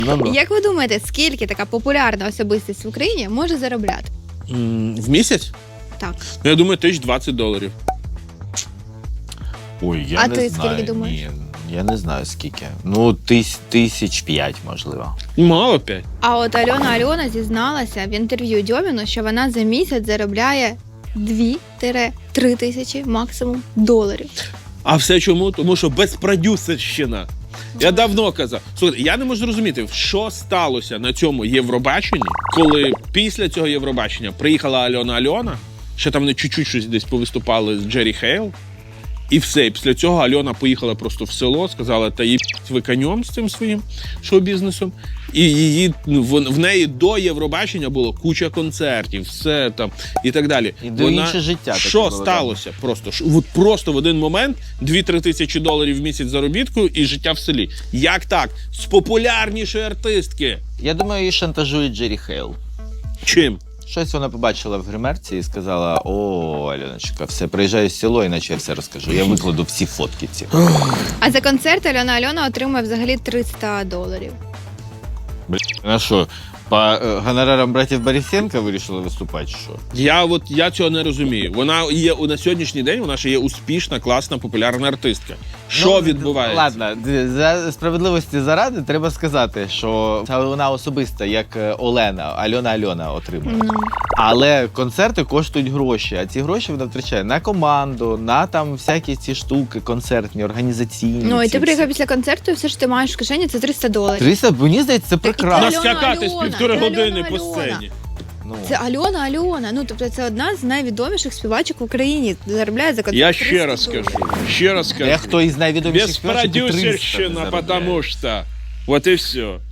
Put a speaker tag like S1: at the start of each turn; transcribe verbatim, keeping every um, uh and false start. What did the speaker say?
S1: Ну-ну.
S2: Як ви думаєте, скільки така популярна особистість в Україні може заробляти?
S3: М, В місяць?
S2: Так.
S3: Ну, я думаю, тисяч двадцять доларів.
S1: Ой, я
S2: А
S1: не
S2: ти
S1: знаю.
S2: скільки думаєш?
S1: Ні, я не знаю скільки. Ну, тис, тисяч п'ять, можливо.
S3: Мало п'ять.
S2: А от Альона Альона зізналася в інтерв'ю Дьоміну, що вона за місяць заробляє дві-три тисячі максимум доларів.
S3: А все чому? Тому що безпродюсерщина. Я давно казав. Слухайте, я не можу зрозуміти, що сталося на цьому Євробаченні, коли після цього Євробачення приїхала Альона Альона, ще там вони чуть-чуть щось десь повиступали з Джері Хейл, і все. І після цього Альона поїхала просто в село, сказала, та їбіть ви конем з цим своїм шоу-бізнесом. І її, ну, в, в неї до Євробачення було куча концертів, все там і так далі.
S1: І до інше життя таке
S3: Що
S1: було,
S3: сталося? Просто Ш- от просто в один момент дві-три тисячі доларів в місяць заробітку і життя в селі. Як так? З популярнішої артистки.
S1: Я думаю, її шантажує Джері Хейл.
S3: Чим?
S1: Щось вона побачила в гримерці і сказала: о, Альоночка, все, приїжджаю в село, іначе я все розкажу. Я викладу всі фотки ці.
S2: А за концерт Альона Альона отримує взагалі триста доларів.
S1: Ну що, по е, гонорарам братів Борисенка вирішили виступати, чи що?
S3: Я от я цього не розумію. Вона є на сьогоднішній день, вона ще є успішна, класна, популярна артистка. Що
S1: Ну,
S3: відбувається?
S1: Ладно, д- за справедливості заради треба сказати, що це вона особиста, як е, Олена, Альона Альона отримує.
S2: Ну.
S1: Але концерти коштують гроші, а ці гроші вона втрачає на команду, на там всякі ці штуки, концертні, організаційні.
S2: Ну і
S1: ці
S2: ти приїхав
S1: всі.
S2: після концерту, і все, що ти маєш в кишені, це триста доларів.
S1: триста, мені здається, це
S2: і
S1: прекрасно.
S2: Альона
S3: Наскакати з
S2: Альона,
S3: півтори
S2: це
S3: години
S2: Альона
S3: по
S2: Альона.
S3: сцені.
S1: Ну.
S2: Це Альона Альона. Ну, тобто це одна з найвідоміших співачок в Україні. Заробляє за концерт
S3: Я
S2: триста
S3: ще раз
S2: доларів.
S3: скажу. Ще раз скажу.
S1: Дехто із найвідоміших співачок і триста
S3: Безпродюсерщина,
S1: заробляє.
S3: потому что. Вот и все.